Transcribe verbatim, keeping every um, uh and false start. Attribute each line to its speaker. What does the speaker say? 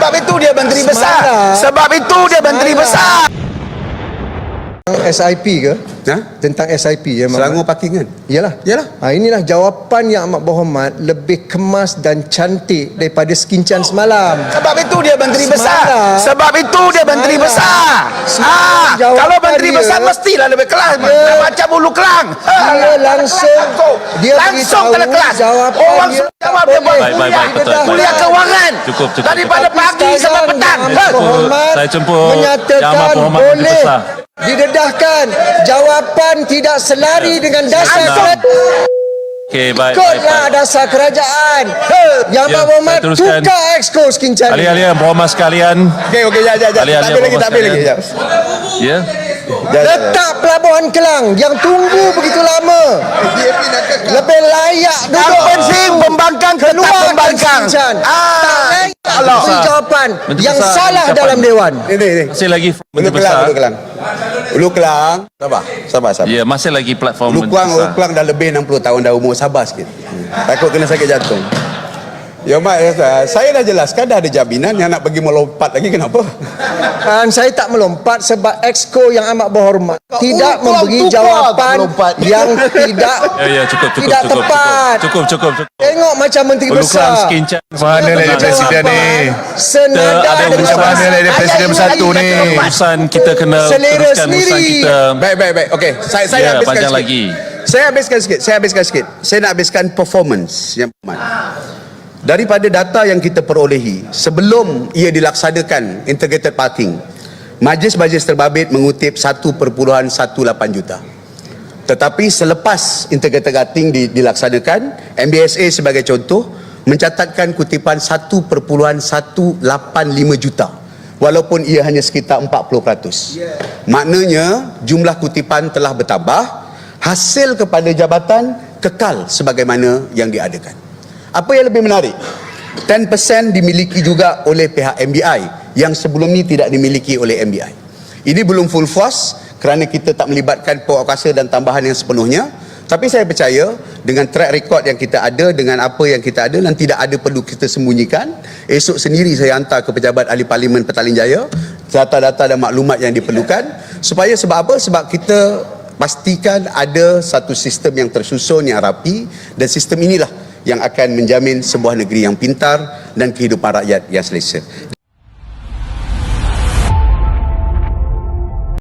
Speaker 1: Sebab itu dia menteri besar. Sebab itu dia menteri besar.
Speaker 2: S I P ke?
Speaker 1: Ha?
Speaker 2: Tentang S I P ya,
Speaker 1: Selangor parkingan.
Speaker 2: Yalah.
Speaker 1: Yalah.
Speaker 2: Ha, inilah jawapan yang amat berhormat, lebih kemas dan cantik daripada skincan semalam.
Speaker 1: Sebab itu dia menteri
Speaker 2: Semalam.
Speaker 1: besar. Sebab itu dia menteri
Speaker 2: Semalam.
Speaker 1: besar.
Speaker 2: Semalam
Speaker 1: Ah,
Speaker 2: jawapan
Speaker 1: kalau menteri
Speaker 2: dia-
Speaker 1: besar mestilah lebih kelas.
Speaker 2: Dia-
Speaker 1: Macam bulu kelang.
Speaker 2: Dia langsung dia
Speaker 1: langsung
Speaker 2: beritahu
Speaker 1: kena kelas.
Speaker 2: jawapan
Speaker 1: Orang
Speaker 2: dia
Speaker 1: suruh jawab
Speaker 2: tak
Speaker 1: dia buat
Speaker 2: boleh.
Speaker 3: Baik, baik, baik, betul, baik.
Speaker 1: kuliah keuangan.
Speaker 3: Cukup, cukup,
Speaker 1: Daripada
Speaker 2: Tapi
Speaker 1: pagi sampai
Speaker 2: sekarang
Speaker 1: petang.
Speaker 2: Yang
Speaker 1: Ha.
Speaker 2: berhormat
Speaker 3: Saya jemput Yang
Speaker 2: menyatakan
Speaker 3: Amat Berhormat Menteri
Speaker 2: boleh
Speaker 3: Besar.
Speaker 2: didedahkan. Jawapan tidak selari dengan dasar
Speaker 3: Senang.
Speaker 2: kerajaan.
Speaker 3: Okey, baik, baik,
Speaker 2: Ikutlah
Speaker 3: baik.
Speaker 2: dasar kerajaan. Yang
Speaker 3: Ya,
Speaker 2: berhormat
Speaker 3: saya teruskan.
Speaker 2: tukar exco skincan.
Speaker 3: Ahli-ahli yang berhormat sekalian.
Speaker 1: Okey, okey, jap, jap, jap.
Speaker 3: Ahli-ahli
Speaker 1: Tak habis lagi,
Speaker 3: yang
Speaker 1: tak habis lagi.
Speaker 3: berhormat
Speaker 1: Jap.
Speaker 3: Ya.
Speaker 1: Jap, jap, jap.
Speaker 2: Letak Pelabuhan Kelang yang tunggu begitu lama. Lebih layak
Speaker 1: Yang
Speaker 2: duduk.
Speaker 1: penting pembangkang tetap
Speaker 2: Keluarkan
Speaker 1: pembangkang.
Speaker 2: skincan. Tak
Speaker 1: Ah,
Speaker 2: layak
Speaker 1: Allah.
Speaker 2: beri jawapan
Speaker 3: Menteri
Speaker 2: yang
Speaker 3: Besar,
Speaker 2: salah
Speaker 3: ucapan.
Speaker 2: dalam Dewan.
Speaker 1: Ini, ini.
Speaker 3: Masih lagi
Speaker 1: Ulu
Speaker 3: Menteri
Speaker 1: Kelang,
Speaker 3: Besar.
Speaker 1: Ulu Kelang. Ulu Kelang. Sabar, sabar, sabar.
Speaker 3: Ya, masih lagi platform
Speaker 1: Ulu
Speaker 3: Menteri
Speaker 1: Kelang, Ulu
Speaker 3: Besar.
Speaker 1: Kelang dah lebih enam puluh tahun dah umur, sabar sikit. Takut kena sakit jantung. Ya Mak, saya dah jelaskan dah ada jaminan yang nak pergi melompat lagi, kenapa?
Speaker 2: Dan saya tak melompat sebab exco yang amat berhormat tidak
Speaker 1: Kelang
Speaker 2: memberi
Speaker 1: tukar
Speaker 2: jawapan
Speaker 1: melompat.
Speaker 2: yang tidak
Speaker 3: Ya, ya, cukup, cukup,
Speaker 2: tidak
Speaker 3: cukup,
Speaker 2: tepat.
Speaker 3: cukup, cukup, cukup, cukup.
Speaker 2: Tengok macam Menteri
Speaker 3: Ulu Kelang
Speaker 2: Besar.
Speaker 3: skin check.
Speaker 4: Mana lah dia presiden ni?
Speaker 2: Senada
Speaker 3: Kita ada
Speaker 2: dengan
Speaker 3: urusan.
Speaker 4: Mana lah dia presiden
Speaker 1: Ayat
Speaker 4: bersatu
Speaker 1: ini
Speaker 4: ni?
Speaker 1: lagi.
Speaker 3: Urusan kita kena
Speaker 2: Selera
Speaker 3: teruskan urusan
Speaker 2: sendiri.
Speaker 3: kita.
Speaker 1: Baik, baik, baik. Okey, saya saya
Speaker 3: Ya,
Speaker 1: habiskan
Speaker 3: panjang
Speaker 1: sikit.
Speaker 3: lagi.
Speaker 1: Saya habiskan sikit. Saya habiskan sikit. Saya nak habiskan performance yang aman. Daripada data yang kita perolehi sebelum ia dilaksanakan integrated parking, majlis-majlis terbabit mengutip satu perpuluhan satu lapan juta. Tetapi selepas integrated parking di, dilaksanakan, M B S A sebagai contoh mencatatkan kutipan satu perpuluhan satu lapan lima juta. Walaupun ia hanya sekitar empat puluh peratus. Maknanya jumlah kutipan telah bertambah, hasil kepada jabatan kekal sebagaimana yang diadakan. Apa yang lebih menarik, sepuluh peratus dimiliki juga oleh pihak M B I yang sebelum ni tidak dimiliki oleh M B I. Ini belum full force kerana kita tak melibatkan pokok kuasa dan tambahan yang sepenuhnya. Tapi saya percaya dengan track record yang kita ada, dengan apa yang kita ada, dan tidak ada perlu kita sembunyikan. Esok sendiri saya hantar ke pejabat ahli parlimen Petaling Jaya data-data dan maklumat yang diperlukan. Supaya sebab apa? Sebab kita pastikan ada satu sistem yang tersusun, yang rapi, dan sistem inilah yang akan menjamin sebuah negeri yang pintar dan kehidupan rakyat yang selesa.